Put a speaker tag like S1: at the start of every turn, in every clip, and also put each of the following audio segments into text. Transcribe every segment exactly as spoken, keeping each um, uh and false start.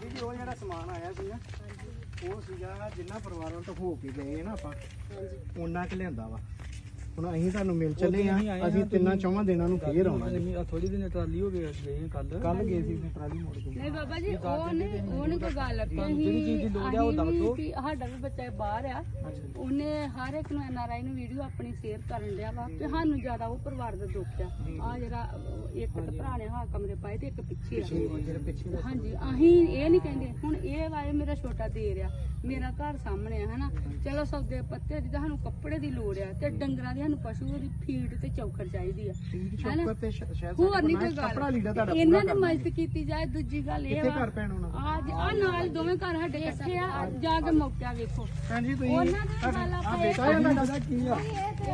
S1: ਬੀਬੀ ਜੀ ਉਹ ਜਿਹੜਾ ਸਮਾਨ ਆਇਆ ਸੀ ਨਾ ਉਹ ਸੀਗਾ ਜਿੰਨਾ ਪਰਿਵਾਰਾਂ ਤੋਂ ਹੋ ਕੇ ਗਏ ਨਾ ਆਪਾਂ ਉਹਨਾਂ ਕਿ ਲਿਆਂਦਾ ਵਾ ਹੁਣ ਅਸੀਂ ਤੁਹਾਨੂੰ ਮਿਲ ਚੱਲੇ ਆ ਅਸੀਂ ਤਿੰਨਾਂ ਚੌਵਾਂ ਦਿਨਾਂ ਨੂੰ ਫੇਰ ਆਉਣਾ ਜੀ
S2: ਥੋੜੀ ਦਿਨ ਟਰਾਲੀ ਹੋ ਗਏ ਗਏ ਕੱਲ
S1: ਕੱਲ ਗਏ ਸੀ ਟਰਾਲੀ ਮੋੜ ਕੇ
S3: ਨਹੀਂ ਬਾਬਾ ਜੀ ਉਹ ਨਹੀਂ ਉਹ ਨਹੀਂ ਕੋਈ ਗੱਲ
S2: ਜਿਹੜੀ ਚੀਜ਼ ਦੀ ਲੋੜ ਆ ਉਹ ਦੱਸ ਦਿਓ
S3: ਸਾਡਾ ਵੀ ਬੱਚਾ ਬਾਹਰ ਆ ਉਹਨੇ ਹਰ ਇੱਕ ਨੂੰ ਐਨ ਆਰ ਆਈ ਨੂੰ ਵੀਡੀਓ ਆਪਣੀ ਸ਼ੇਅਰ ਕਰਨ ਡਿਆ ਵਾ ਤੇ ਸਾਨੂੰ ਜ਼ਿਆਦਾ ਉਹ ਪਰਿਵਾਰ ਦਾ ਦੁੱਖ ਆ ਆ ਜਿਹੜਾ ਇੱਕ ਤਾਂ ਭਰਾ ਨੇ ਹਾਂ ਕਮਰੇ ਪਾਏ ਤੇ ਇੱਕ ਪਿੱਛੇ ਆ ਹਾਂਜੀ ਅਸੀਂ ਇਹ ਨਹੀਂ ਕਹਿੰਦੇ ਹੁਣ ਇਹ ਵਾਏ ਮੇਰਾ ਛੋਟਾ ਦੇ ਰਿਹਾ ਮੇਰਾ ਘਰ ਸਾਹਮਣੇ ਆ ਹਨਾ ਚਲੋ ਸੌਦੇ ਪੱਤੇ ਦੀ ਸਾਨੂੰ ਕੱਪੜੇ ਦੀ ਲੋੜ ਆ ਤੇ ਡੰਗਰਾਂ ਦੀ ਸਾਨੂੰ ਪਸ਼ੂ ਦੀ ਫੀਡ ਤੇ ਚੌਕਰ ਚਾਹੀਦੀ ਆ
S1: ਚੌਕਰ ਤੇ ਸ਼ਾਇਦ
S3: ਹੋਰ ਨਹੀਂ ਕੋਈ
S1: ਕੱਪੜਾ ਲੀੜਾ ਤੁਹਾਡਾ
S3: ਗੱਲ ਇਹਨਾਂ ਦੀ ਮਦਦ ਕੀਤੀ ਜਾਏ ਦੂਜੀ ਗੱਲ ਇਹ ਵਾ
S1: ਘਰ ਪੈਣ ਹੋਣਾ
S3: ਅੱਜ ਆ ਨਾਲ ਦੋਵੇਂ ਘਰ ਸਾਡੇ ਇੱਥੇ ਆ ਜਾ ਕੇ ਮੌਕਾ ਵੇਖੋ
S1: ਭੈਣ ਜੀ ਤੁਸੀਂ
S3: ਉਹਨਾਂ ਦੇ ਨਾਲ
S1: ਆ
S3: ਆਪਾਂ
S1: ਬੇਟਾ ਇਹਨਾਂ ਦਾ ਕੀ ਆ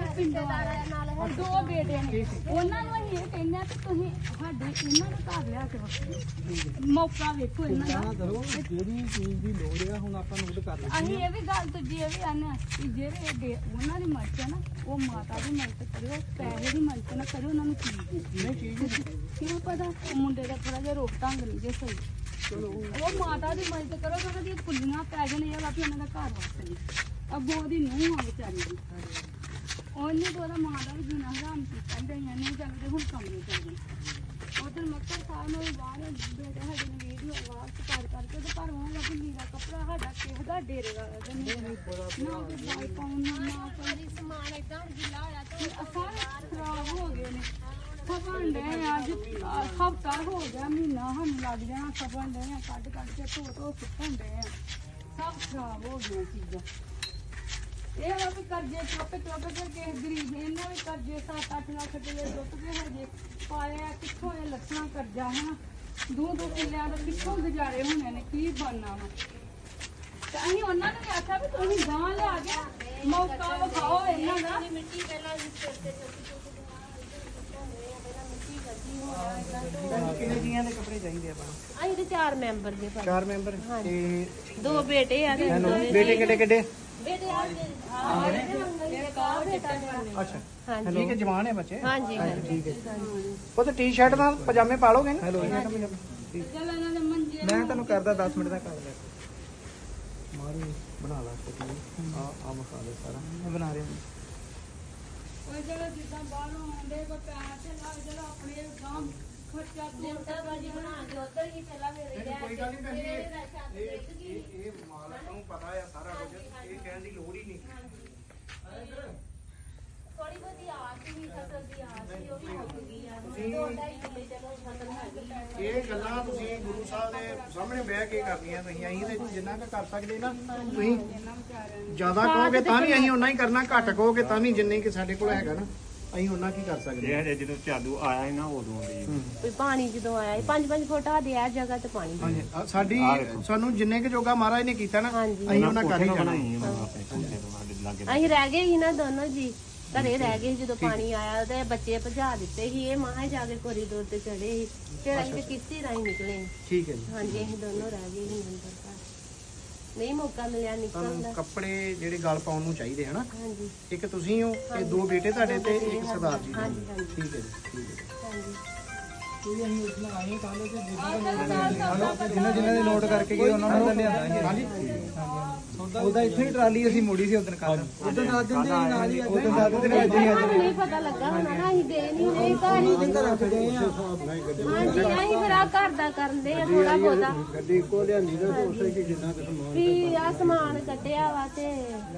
S3: ਨਾਲ ਦੋ ਬੇਟੇ ਨੇ ਉਹਨਾਂ ਨੂੰ ਅਸੀਂ ਇਹ ਕਹਿੰਦੇ ਆ ਕਿ ਤੁਸੀਂ ਸਾਡੇ ਇਹਨਾਂ ਨੂੰ ਘਰ ਲਿਆ ਕੇ ਰੱਖੋ ਮੌਕਾ ਵੇਖੋ ਇਹਨਾਂ ਦਾ
S2: ਕਰੋ ਜਿਹੜੀ ਚੀਜ਼ ਦੀ ਲੋੜ ਆ ਹੁਣ ਆਪਾਂ ਨੋਟ ਕਰ ਲਈ
S3: ਅਸੀਂ ਇਹ ਵੀ ਗੱਲ ਦੂਜੀ ਇਹ ਵੀ ਆਨੇ ਕਿ ਜਿਹੜੇ ਡੇ- ਉਹਨਾਂ ਦੀ ਮਦਦ ਹੈ ਨਾ ਉਹ ਮਾਤਾ ਦੀ ਮਦਦ ਕਰਿਓ ਪੈਸੇ ਦੀ ਮਦਦ ਨਾ ਕਰਿਓ ਉਹਨਾਂ ਨੂੰ ਚੀਜ਼ ਦਿਓ
S1: ਨਹੀਂ ਚੀਜ਼
S3: ਕਿਉਂ ਪਤਾ ਉਹ ਮੁੰਡੇ ਦਾ ਥੋੜਾ ਜਿਹਾ ਰੋਕ ਢੰਗ ਨਹੀਂ ਜੇ ਸਹੀ ਚਲੋ ਉਹ ਮਾਤਾ ਦੀ ਮਦਦ ਕਰੋ ਕਿ ਉਹਨਾਂ ਦੀਆਂ ਕੁੱਲੀਆਂ ਪੈ ਜਾਣ ਇਹ ਵਾ ਵੀ ਉਹਨਾਂ ਦਾ ਘਰ ਵਸਦੇ ਅੱਗੋਂ ਉਹਦੀ ਨੂੰਹ ਆ ਵਿਚਾਰੀ ਦੀ ਉਹਨੇ ਤਾਂ ਉਹਦਾ ਮਾਂ ਦਾ ਵੀ ਜੀਣਾ ਹਰਾਮ ਕੀਤਾ ਗਈਆਂ ਨਹੀਂ ਚੱਲਦੇ ਹੁਣ ਕਮਰੇ ਚੱਲਦੇ ਉਧਰ ਮੱਕਰ ਸਾਹਿਬ ਨੂੰ ਬਾਹਰ ਬੇਟਾ ਸਾਡੇ ਨੇ ਵੀਡੀਓ ਆਵਾਜ਼ ਕਰ ਕਰਕੇ ਤੇ ਪਰ ਉਹਨਾਂ ਦਾ ਲੀੜਾ ਕੱਪੜਾ ਸਾਡਾ ਕਿਸੇ ਦਾ ਡੇਰੇ ਵਾਲਾ ਦਾ ਨਹੀਂ ਨਾ ਕੋਈ ਬਾਈ ਪਾਉਣ ਨਾ ਨਾ ਕੋਈ ਸਮਾਨ ਏਦਾਂ ਗਿੱਲਾ ਹੋਇਆ ਤੇ ਸਾਰੇ ਖਰਾਬ ਹੋ ਗਏ ਨੇ ਸਭਨ ਦੇ ਅੱਜ ਹਫਤਾ ਹੋ ਗਿਆ ਮਹੀਨਾ ਸਾਨੂੰ ਲੱਗ ਜਾਣਾ ਸਭਨ ਦੇ ਕੱਢ ਕੱਢ ਕੇ ਧੋ ਧੋ ਸੁੱਕਣ ਦੇ ਸਭ ਖਰਾਬ ਹੋ ਗਈਆਂ ਚੀਜ਼ਾਂ ਇਹ ਵਾ ਵੀ ਕਰਜ਼ੇ ਚੁੱਕ ਚੁੱਕ ਕੇ ਕਿਸੇ ਗਰੀਬ ਨੇ ਇਹਨਾਂ ਵੀ ਕਰਜ਼ੇ ਸੱਤ ਅੱਠ ਲੱਖ ਰੁਪਏ ਲੁੱਟ ਕੇ ਹਜੇ ਪਾਇਆ ਕਿੱਥੋਂ ਇਹ ਲੱਖਾਂ ਕਰਜ਼ਾ ਹੈ ਦੋ ਦੋ ਕਿੱਲਿਆਂ ਦਾ ਕਿੱਥੋਂ ਗੁਜ਼ਾਰੇ ਹੋਣੇ ਨੇ ਕੀ ਬਣਨਾ ਵਾ ਤੇ ਅਸੀਂ ਉਹਨਾਂ ਨੂੰ ਵੀ ਆਖਿਆ ਵੀ ਤੁਸੀਂ ਗਾਂ ਲਿਆ ਕੇ ਮੌਕਾ ਵਿਖਾਓ ਇਹਨਾਂ ਦਾ ਮਿੱਟੀ ਪਹਿਲਾਂ
S1: ਕਿੰਨੇ ਜੀਆਂ ਦੇ ਕੱਪੜੇ ਚਾਹੀਦੇ ਆਪਾਂ
S4: ਅਸੀਂ ਤੇ ਚਾਰ ਮੈਂਬਰ ਦੇ ਭਾਈ
S1: ਚਾਰ ਮੈਂਬਰ ਤੇ
S4: ਦੋ ਬੇਟੇ ਆ ਤੇ
S1: ਬੇਟੇ ਕਿੱਡੇ ਕਿੱਡੇ
S4: ਬੇਟੇ ਆ ਇੱਕ ਆ ਬੇਟਾ ਮੇਰਾ।
S1: ਅੱਛਾ
S4: ਹਾਂਜੀ
S1: ਠੀਕ ਹੈ ਜਵਾਨ ਹੈ ਬੱਚੇ
S4: ਹਾਂਜੀ ਹਾਂਜੀ
S1: ਠੀਕ ਹੈ ਉਹ ਤਾਂ ਟੀ-ਸ਼ਰਟ ਨਾਲ ਪਜਾਮੇ ਪਾ ਲੋਗੇ ਨਾ
S3: ਚੱਲ ਇਹਨਾਂ ਦੇ ਮੰਜੇ
S1: ਮੈਂ ਤੁਹਾਨੂੰ ਕਰਦਾ ਦਸ ਮਿੰਟ ਦਾ ਕਰ ਲੈ ਮਾਰੂ ਬਣਾ ਲਾ ਆ ਆ ਮਸਾਲੇ ਸਾਰਾ ਮੈਂ ਬਣਾ ਰਿਹਾ
S3: ਉਹ ਜਿਹੜਾ ਜਿੱਦਾਂ ਬਾਹਰੋਂ ਆਉਂਦੇ ਕੋ ਪੈਸੇ ਲੱਗ ਜਿਹੜਾ ਆਪਣੇ ਗਾਂ ਖਰਚਾ
S4: ਜਿੰਦਾ ਬਾਜੀ ਬਣਾ ਕੇ ਉਧਰ ਹੀ ਚਲਾ ਮੇਰੇ
S1: ਕੋਈ ਗੱਲ ਨਹੀਂ ਭੈਣ ਜੀ ਇਹ ਇਹ ਮਾਲਕ ਨੂੰ ਪਤਾ ਆ ਸਾਰਾ ਕੁਝ ਇਹ ਕਹਿਣ ਦੀ ਲੋੜ ਹੀ ਨਹੀਂ
S4: ਥੋੜੀ ਬਹੁਤੀ ਆਸ ਹੀ ਫਸਲ ਦੀ ਆਸ ਸੀ ਉਹ ਵੀ ਮੁੱਕ ਗਈ ਆ ਦੋ ਢਾਈ ਕਿੱਲੇ ਚਲੋ ਫਸਲ ਹੈਗੀ
S1: ਇਹ ਗੱਲਾਂ ਤੁਸੀਂ ਗੁਰੂ ਸਾਹਿਬ ਦੇ ਸਾਹਮਣੇ ਬਹਿ ਕੇ ਕਰਨੀਆਂ ਤੁਸੀਂ ਅਸੀਂ ਤੇ ਜਿੰਨਾ ਕੁ ਕਰ ਸਕਦੇ ਨਾ ਤੁਸੀਂ ਜ਼ਿਆਦਾ ਕਹੋਗੇ ਤਾਂ ਵੀ ਅਸੀਂ ਉਨਾ ਹੀ ਕਰਨਾ ਘੱਟ ਕਹੋਗੇ ਤਾਂ ਵੀ ਜਿੰਨੇ ਕਿ ਸਾਡੇ ਕੋਲ ਹੈਗਾ ਨਾ ਅਸੀਂ ਉਹਨਾਂ ਕੀ ਕਰ ਸਕਦੇ
S5: ਇਹ ਹਜੇ ਜਦੋਂ ਚਾਲੂ ਆਇਆ ਸੀ ਨਾ ਉਦੋਂ ਦੀ
S4: ਵੀ ਪਾਣੀ ਜਦੋਂ ਆਇਆ ਸੀ ਪੰਜ ਪੰਜ ਫੁੱਟ ਆ ਦੇ ਆ ਜਗ੍ਹਾ ਤੇ ਪਾਣੀ
S1: ਹਾਂਜੀ ਆਹ ਸਾਡੀ ਸਾਨੂੰ ਜਿੰਨੇ ਕੁ ਜੋਗਾ ਮਹਾਰਾਜ ਨੇ ਕੀਤਾ ਨਾ
S4: ਹਾਂਜੀ।
S1: ਅਸੀਂ ਉਹਨਾਂ ਕਰ ਹੀ ਜਾਣਾ
S5: ਬਣਾਈ ਆਪਣੇ ਕੋਠੇ ਤੋਂ ਸਾਡੇ ਲਾਗੇ
S4: ਅਸੀਂ ਰਹਿ ਗਏ ਸੀ ਨਾ ਦੋਨੋਂ ਜੀ ਘਰੇ ਰਹਿ ਗਏ ਸੀ ਜਦੋਂ ਪਾਣੀ ਆਇਆ ਤੇ ਬੱਚੇ ਭਜਾ ਦਿੱਤੇ ਸੀ ਇਹ ਮਾਂ ਜਾ ਕੇ ਕੋਰੀਡੋਰ ਤੇ ਚੜੇ ਸੀ ਫਿਰ ਅਸੀਂ ਤੇ ਕਿਸ਼ਤੀ ਰਾਹੀਂ ਨਿਕਲੇ
S1: ਠੀਕ ਹੈ ਜੀ
S4: ਹਾਂਜੀ ਅਸੀਂ ਦੋਨੋਂ ਰਹਿ ਗਏ ਸੀ ਅੰਦਰ ਘਰ ਨਹੀਂ ਮੌਕਾ ਮਿਲਿਆ ਨਿਕਲਣ
S1: ਤੁਹਾਨੂੰ
S4: ਦਾ
S1: ਕੱਪੜੇ ਜਿਹੜੇ ਗਲ ਪਾਉਣ ਨੂੰ ਚਾਹੀਦੇ ਹਨਾ
S4: ਹਾਂਜੀ
S1: ਇੱਕ ਤੁਸੀਂ ਹੋ ਤੇ ਦੋ ਬੇਟੇ ਤੁਹਾਡੇ ਤੇ ਇੱਕ ਸਰਦਾਰ ਜੀ
S4: ਹਾਂਜੀ ਹਾਂਜੀ
S1: ਠੀਕ ਹੈ ਜੀ ਠੀਕ ਹੈ
S4: ਹਾਂਜੀ
S2: ਕੋਈ ਅਸੀਂ ਉਸ ਨਾਲ ਆਏ ਕੱਲ ਤੇ ਜਿੰਨਾ ਜਿੰਨਾ ਦੇ ਨੋਟ ਕਰਕੇ ਗਏ ਉਹਨਾਂ ਨੂੰ ਤਾਂ ਲਿਆਂਦਾ ਹਾਂਜੀ ਉਹਦਾ ਇੱਥੇ ਹੀ ਟਰਾਲੀ ਅਸੀਂ ਮੋੜੀ ਸੀ ਉਦੋਂ ਕੱਲ ਉਦੋਂ ਦੱਸ ਦਿੰਦੇ ਸੀ ਨਾਲ ਹੀ ਉਦੋਂ ਦੱਸ ਦਿੰਦੇ ਅੱਜ ਹੀ
S4: ਸਾਨੂੰ ਨਹੀਂ ਪਤਾ ਲੱਗਾ ਹੋਣਾ ਨਾ ਅਸੀਂ ਗਏ ਨਹੀਂ ਨਹੀਂ ਘਰ ਹੀ
S2: ਅੱਜ ਰੱਖ ਗਏ ਆ
S4: ਹਾਂਜੀ ਅਸੀਂ ਫਿਰ ਆ ਘਰ ਦਾ ਕਰਦੇ ਆ ਥੋੜਾ ਬਹੁਤਾ
S1: ਗੱਡੀ ਕੋ ਲਿਆਂਦੀ ਨਾ ਉਸੇ ਕੀ ਜਿੰਨਾ ਕੁ ਸਮਾਨ
S4: ਵੀ ਆ ਸਮਾਨ ਕੱਢਿਆ ਵਾ ਤੇ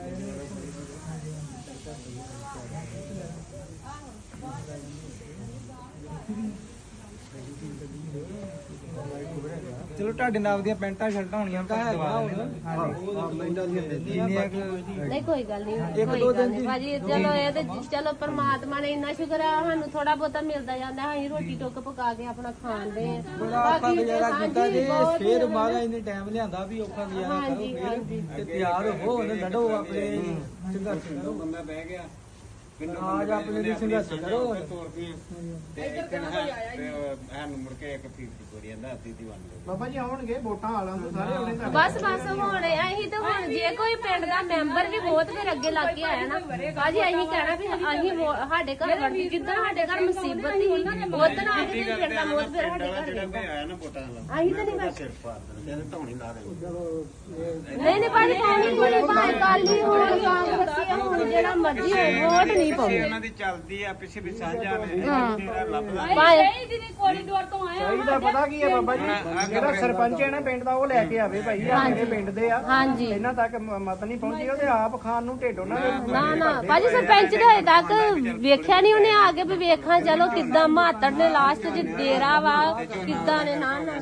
S2: ਚਲੋ ਤੁਹਾਡੇ ਨਾਲ ਦੀਆਂ ਪੈਂਟਾਂ ਸ਼ਰਟਾਂ ਹੋਣੀਆਂ ਤਾਂ ਦਵਾ ਜਿੰਨੀਆਂ
S4: ਨਹੀਂ ਕੋਈ ਗੱਲ ਨਹੀਂ ਕੋਈ ਗੱਲ ਨਹੀਂ ਭਾਜੀ ਚਲੋ ਇਹ ਤੇ ਚਲੋ ਪਰਮਾਤਮਾ ਨੇ ਇੰਨਾ ਸ਼ੁਕਰ ਆ ਸਾਨੂੰ ਥੋੜਾ ਬਹੁਤਾ ਮਿਲਦਾ ਜਾਂਦਾ ਅਸੀਂ ਰੋਟੀ ਟੁੱਕ ਪਕਾ ਕੇ ਆਪਣਾ ਖਾਂਦੇ ਆ
S2: ਬੜਾ ਔਖਾ ਗੁਜ਼ਾਰਾ ਕੀਤਾ ਜੇ ਫੇਰ ਬਾਅਦ ਇਹਨੇ ਟਾਈਮ ਲਿਆਂਦਾ ਵੀ ਔਖਾ ਗੁਜ਼ਾਰਾ ਕਰੋ ਫੇਰ ਤੇ ਤਿਆਰ ਹੋ ਉਹਨੇ ਲੜੋ ਆਪਣੇ ਸੰਘਰਸ਼ ਕਰੋ ਬੰਦਾ ਬਹਿ ਗਿਆ ਆਜ ਆਪਣੇ ਲਈ ਸੰਘਰਸ਼ ਕਰੋ
S5: ਸਾਨੂੰ ਮੁੜ ਕੇ ਇੱਕ ਫੀਟ ਕੋਰੀ ਜਾਂਦਾ ਅੱਧੀ ਦੀ ਵੰਡ
S1: ਬਾਬਾ ਜੀ ਆਉਣਗੇ ਵੋਟਾਂ ਵਾਲਾਂ ਨੂੰ ਸਾਰੇ ਉਹਨੇ ਤਾਂ
S4: ਬਸ ਬਸ ਹੁਣ ਅਸੀਂ ਤਾਂ ਹੁਣ ਜੇ ਕੋਈ ਪਿੰਡ ਦਾ ਮੈਂਬਰ ਵੀ ਬਹੁਤ ਫਿਰ ਅੱਗੇ ਲੱਗ ਕੇ ਆਇਆ ਨਾ ਭਾਜੀ ਅਸੀਂ ਕਹਿਣਾ ਵੀ ਅਸੀਂ ਵੋ- ਸਾਡੇ ਘਰ ਵਰਤੀ ਜਿੱਦਾਂ ਸਾਡੇ ਘਰ ਮੁਸੀਬਤ ਸੀ ਉਦੋਂ ਆ ਕੇ ਪਿੰਡ ਦਾ ਬਹੁਤ ਫਿਰ ਸਾਡੇ ਘਰ
S5: ਜਿਹੜਾ
S4: ਰਹਿੰਦਾ।
S5: ਕੋਈ ਆਇਆ ਨਾ ਵੋਟਾਂ ਵਾਲਾ
S4: ਅਸੀਂ ਤਾਂ ਨਹੀਂ ਬਸ
S5: ਸਿਰ ਪਾੜ ਦੇਣਾ ਤੇ ਧੌਣੀ ਲਾ ਦੇਣੀ
S4: ਨਹੀਂ ਨਹੀਂ ਭਾਜੀ ਪਾਣੀ ਕੋਈ ਭਾਵੇਂ ਕਾਲੀ ਹੋਣ ਕਾਂਗਰਸੀ ਹੋਣ ਜਿਹੜਾ ਮਰਜ਼ੀ ਹੋਵੇ ਵੋਟ ਨਹੀਂ ਪਾਉਂਦੇ
S5: ਉਹਨਾਂ ਦੀ ਚੱਲਦੀ ਆ ਪਿੱਛੇ ਵੀ ਸਾਂਝਾ ਨੇ
S4: ਹਾਂ।
S5: ਤੇਰਾ ਲੱਭਦਾ
S4: ਭਾਵੇਂ
S3: ਇਹ ਜਿਹਨੇ ਕੋਰੀਡੋਰ ਤੋਂ ਆਏ
S1: ਚਾਹੀਦਾ ਪਤਾ ਕੀ ਹੈ ਬਾਬਾ ਜੀ ਜਿਹੜਾ ਸਰਪੰਚ ਹੈ ਨਾ ਪਿੰਡ ਦਾ ਉਹ ਲੈ ਕੇ ਆਵੇ ਭਾਈ ਆ ਮੇਰੇ ਪਿੰਡ ਦੇ ਆ
S4: ਹਾਂਜੀ
S1: ਇਹਨਾਂ ਤੱਕ ਮ- ਮਤ ਨਹੀਂ ਪਹੁੰਚੀ ਉਹਦੇ ਆਪ ਖਾਣ ਨੂੰ ਢਿੱਡ ਉਹਨਾਂ ਦੇ
S4: ਨਾ ਨਾ ਭਾਜੀ ਸਰਪੰਚ ਦੇ ਹਜੇ ਤੱਕ ਵੇਖਿਆ ਨਹੀਂ ਉਹਨੇ ਆ ਕੇ ਵੀ ਵੇਖਾਂ ਚਲੋ ਕਿੱਦਾਂ ਮਾਤੜ ਨੇ ਲਾਸਟ 'ਚ ਡੇਰਾ ਵਾ ਕਿੱਦਾਂ ਨੇ ਨਾ ਨਾ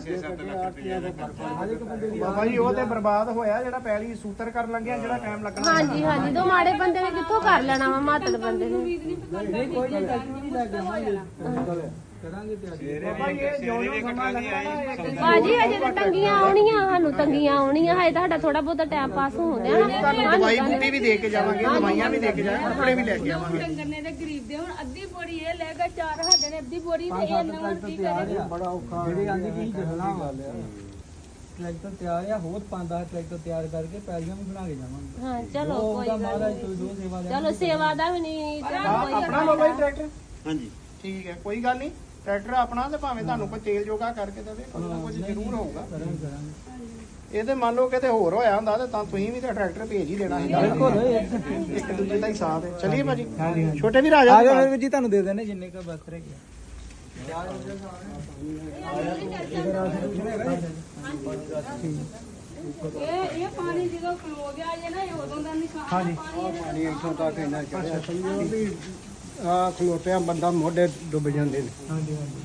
S1: ਬਾਬਾ ਜੀ ਉਹ ਤੇ ਬਰਬਾਦ ਹੋਇਆ ਜਿਹੜਾ ਪਹਿਲੀ ਸੂਤਰ ਕਰਨ ਲੱਗਿਆ ਜਿਹੜਾ ਟਾਈਮ ਲੱਗਣਾ
S4: ਹਾਂਜੀ ਹਾਂਜੀ ਦੋ ਮਾੜੇ ਬੰਦੇ ਨੇ ਕਿੱਥੋਂ ਕਰ ਲੈਣਾ ਵਾ ਮਾਤੜ ਬੰਦੇ ਨੇ
S2: ਕਰਾਂਗੇ ਤਿਆਰੀ
S1: ਬਾਬਾ ਜੀ ਇਹ ਜੋ ਜੋ ਸਮਾਂ ਲੱਗਦਾ ਨਾ ਇੱਕ
S4: ਭਾਜੀ ਹਜੇ ਤਾਂ ਤੰਗੀਆਂ ਆਉਣੀਆਂ ਸਾਨੂੰ ਤੰਗੀਆਂ ਆਉਣੀਆਂ ਹਜੇ ਤੁਹਾਡਾ ਥੋੜਾ ਬਹੁਤਾ ਟਾਈਮ ਪਾਸ ਹੋਣ ਡਿਆ ਨਾ
S1: ਤੁਹਾਨੂੰ ਦਵਾਈ ਬੂਟੀ ਵੀ ਦੇ ਕੇ ਜਾਵਾਂਗੇ ਦਵਾਈਆਂ ਵੀ ਦੇ ਕੇ ਜਾਵਾਂਗੇ ਕੱਪੜੇ ਵੀ ਲੈ ਕੇ ਆਵਾਂਗੇ
S3: ਡੰਗਰ ਨੇ ਤੇ ਗਰੀਬ ਦੇ ਹੁਣ ਅੱਧੀ ਬੋਰੀ ਇਹ ਲੈ ਗਿਆ ਚਾਰ ਸਾਡੇ ਨੇ ਅੱਧੀ ਬੋਰੀ ਤੇ ਇਹ ਨਵਾਂ ਕੀ ਕਰੇ
S2: ਬੜਾ ਔਖਾ ਜਿਹੜੇ ਆਂਦੇ ਕੀ ਜਸਣਾ ਗੱਲ ਆ ਟਰੈਕਟਰ ਤਿਆਰ ਆ ਹੋਰ ਪੰਜ ਦਸ ਟਰੈਕਟਰ ਤਿਆਰ ਕਰਕੇ ਪੈਲੀਆਂ ਵੀ ਬਣਾ ਕੇ ਜਾਵਾਂਗੇ
S4: ਹਾਂ ਚਲੋ
S2: ਉਹ
S4: ਕੋਈ
S2: ਉਹਦਾ
S4: ਗੱਲ
S2: ਮਹਾਰਾਜ
S4: ਨੀ।
S2: ਕੋਈ ਦੋ ਸੇਵਾ ਲੈ
S4: ਚਲੋ ਸੇਵਾ ਦਾ ਵੀ ਨਹੀਂ
S1: ਆਹ
S4: ਚਲੋ ਕੋਈ
S1: ਆਪਣਾ ਬਾਬਾ ਜੀ ਟਰੈਕਟਰ
S5: ਹਾਂਜੀ
S1: ਠੀਕ ਹੈ ਕੋਈ ਗੱਲ ਨਹੀਂ ਟਰੈਕਟਰ ਆਪਣਾ ਤੇ ਭਾਵੇਂ ਤੁਹਾਨੂੰ ਕੋਈ ਤੇਲ ਜੋਗਾ ਕਰਕੇ ਦੇਵੇ ਕੁਝ ਨਾ ਕੁਝ ਜ਼ਰੂਰ ਹੋਊਗਾ
S2: ਕਰਾਂਗੇ ਕਰਾਂਗੇ
S1: ਇਹ ਤੇ ਮੰਨ ਲਓ ਕਿਤੇ ਹੋਰ ਹੋਇਆ ਹੁੰਦਾ ਤੇ ਤਾਂ ਤੁਸੀਂ ਵੀ ਤਾਂ ਟਰੈਕਟਰ ਭੇਜ ਹੀ ਦੇਣਾ ਸੀ
S2: ਬਿਲਕੁਲ
S1: ਇੱਕ ਦੂਜੇ ਦਾ ਹੀ ਸਾਥ ਹੈ ਚਲਿਏ ਭਾਜੀ ਛੋਟੇ ਵੀਰ ਆ ਜਾ
S2: ਆ ਜਾ ਫਿਰ ਜੀ ਤੁਹਾਨੂੰ ਦੇ ਦੇਣੇ ਜਿੰਨੇ ਕ ਬਸ ਰਹਿ ਗਿਆ
S3: ਇਹ ਇਹ ਪਾਣੀ ਜਦੋਂ ਖਲੋ ਗਿਆ ਜੇ ਨਾ ਇਹ ਉਦੋਂ ਦਾ ਨਿਸ਼ਾਨ ਪਾਣੀ
S6: ਪਾਣੀ ਇੱਥੋਂ ਤੱਕ ਇੰਨਾ ਚੜਿਆ ਸਮਝੋ ਵੀ ਆ ਖਲੋਟਿਆਂ ਬੰਦਾ ਮੋਢੇ ਡੁੱਬ ਜਾਂਦੇ ਨੇ
S2: ਹਾਂਜੀ ਹਾਂਜੀ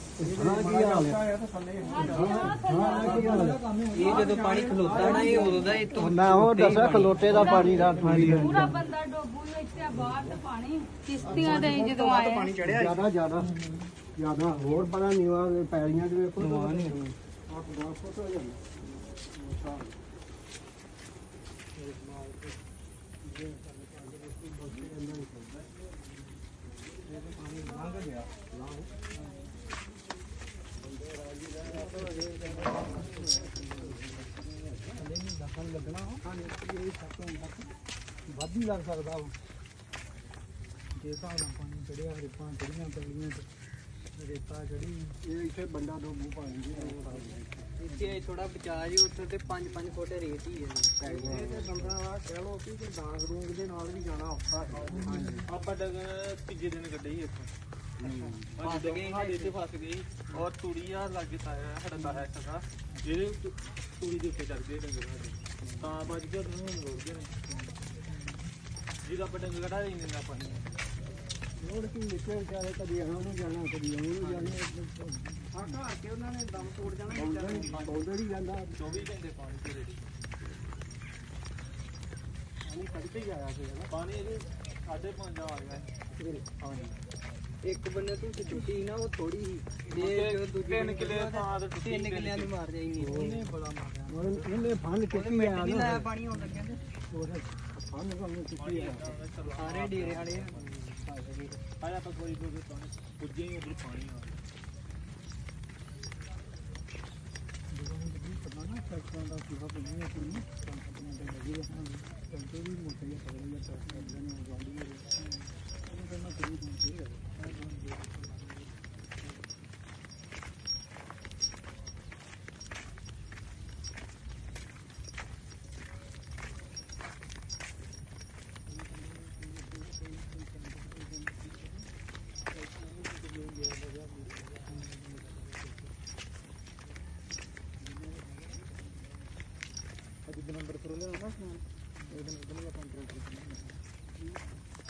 S6: ਇਹ ਜਦੋਂ ਪਾਣੀ ਖਲੋਤਾ ਨਾ ਇਹ ਉਦੋਂ ਦਾ ਇਹ ਮੈਂ ਉਹ ਦੱਸਿਆ ਖਲੋਟੇ ਦਾ ਪਾਣੀ ਦਾ
S3: ਪੂਰਾ ਬੰਦਾ ਡੋਬੂ ਇੱਥੇ ਬਾਹਰ ਤੇ ਪਾਣੀ ਕਿਸ਼ਤੀਆਂ ਤੇ ਅਸੀਂ ਜਦੋਂ ਆਏ
S1: ਪਾਣੀ ਚੜਿਆ
S6: ਜ਼ਿਆਦਾ ਜ਼ਿਆਦਾ ਜ਼ਿਆਦਾ ਹੋਰ ਬੜਾ ਨੀਵਾ ਪੈਲੀਆਂ ਦੇ ਵੇਖੋ ਨਵਾ ਨਹੀਂ ਆਹ ਦਸ ਫੁੱਟ ਹੋ ਜਾਂਦਾ
S2: ਵੱਧ ਹੀ ਲੱਗ ਸਕਦਾ ਵਾ ਜੇ ਹਿਸਾਬ ਨਾਲ ਪਾਣੀ ਚੜਿਆ ਰੇਤਾਂ ਚੜੀਆਂ ਪੈਲੀਆਂ ਤੇ ਰੇਤਾ ਚੜੀ
S6: ਇਹ ਇੱਥੇ ਬੰਦਾ ਡੋਬੂ ਪਾਣੀ ਦੀ
S2: ਇੱਥੇ ਥੋੜਾ ਬਚਾ ਜੀ ਉੱਥੇ ਤੇ ਪੰਜ ਪੰਜ ਫੁੱਟ ਰੇਤ ਹੀ ਹੈ
S1: ਇਹ ਤੇ ਬੰਦਾ ਕਹਿ ਲੋ ਕਿ ਡਾਂਗ ਰੂੰਗ ਦੇ ਨਾਲ ਵੀ ਜਾਣਾ ਔਖਾ ਹੈ
S2: ਆਪਾਂ ਡੰਗਰ ਤੀਜੇ ਦਿਨ ਕੱਢੇ ਹੀ ਇੱਥੋਂ ਫਸ ਗਏ ਸਾਡੇ ਇੱਥੇ ਫਸ ਗਏ ਔਰ ਤੂੜੀ ਆ ਲੱਗੇ ਤਾਇਆ ਸਾਡਾ ਤਾਇਆ ਸਦਾ ਜਿਹੜੇ ਤੂ- ਤੂੜੀ ਦੇ ਉੱਤੇ ਚੜ ਗਏ ਡੰਗਰ ਸਾਡੇ ਤਾਂ ਬਚ ਗਿਆ ਤੈਨੂੰ ਹੁਣ ਰੋੜ ਗਏ ਨੇ ਜਿਹਦਾ ਆਪਾਂ ਡੰਗਰ ਕਢਾ ਹੀ ਨਹੀਂ ਆਪਾਂ
S6: ਲੋੜ ਕੀ ਨਿਕਲ ਵਿਚਾਰੇ ਕਦੀ ਇਹਨਾਂ ਨੂੰ ਜਾਣਾ ਕਦੀ ਉਹਨੂੰ ਜਾਣਾ
S1: ਆ ਘਰ ਕੇ ਉਹਨਾਂ ਨੇ ਦਮ ਤੋੜ ਜਾਣਾ
S6: ਪੌਂਦੜ ਹੀ ਜਾਂਦਾ
S2: ਚੌਵੀ ਘੰਟੇ ਪਾਣੀ ਤੇ ਰੇੜੀ
S6: ਪਾਣੀ ਕੱਢ ਕੇ ਹੀ ਆਇਆ ਸੀ ਨਾ
S2: ਪਾਣੀ ਇਹਦੇ ਸਾਢੇ ਪੰਜ ਆ ਗਿਆ ਹਾਂਜੀ ਇੱਕ ਬੰਨੇ ਤੂੰ ਚੁੱਟੀ ਨਾ ਉਹ ਥੋੜੀ ਸੀ ਤੇ ਜੋ ਦੂਜੇ ਤਿੰਨ ਕਿੱਲੇ ਥਾਂ ਤੇ ਟੁੱਟੀ ਤਿੰਨ ਕਿੱਲਿਆਂ ਦੀ ਮਾਰ ਜਾਈ ਨਹੀਂ ਉਹਨੇ ਬੜਾ ਮਾਰਿਆ
S6: ਹੁਣ ਇਹਨੇ ਫੰਡ ਚੁੱਕੀ ਆ
S2: ਨਹੀਂ
S6: ਨਾ
S2: ਲਾਇਆ ਪਾਣੀ ਆਉਣ ਲੱਗਿਆ ਤੇ
S6: ਉਹਦੇ ਫੰਡ ਨੂੰ ਚੁੱਕੀ ਆ
S2: ਸਾਰੇ ਡੇਰੇ ਵਾਲੇ ਆਇਆ ਆਪਾਂ ਕੋਈ ਕੋਈ ਪਾਣੀ ਪੁੱਜੇ ਹੀ ਉਧਰ ਪਾਣੀ ਆ
S6: ਪਤਾ ਨਾ ਟਰੈਕਟਰਾਂ ਦਾ ਕਿਹਾ ਬਣੀ ਹੈ ਕਿ ਨਹੀਂ ਕੰਪਨੀਆਂ ਦੇ ਲੱਗੀ ਹੈ ਟਰੈਕਟਰ ਵੀ ਮੋਟੇ ਜਿਹੇ ਪਕੜ ਲਿਆ ਟਰੈਕਟਰ ਨੇ ਗਾੜੀ ਹੈ ਉਹ ਕਹਿੰਦਾ ਕੋਈ ਨਹੀਂ ਹੈ ਨੰਬਰ ਪਰ ਲਿਆ ਨਾ ਇਹਦੇ ਨਾਲ ਇਹਦੇ ਨਾਲ ਕੰਟਰੋਲ ਕਰਨਾ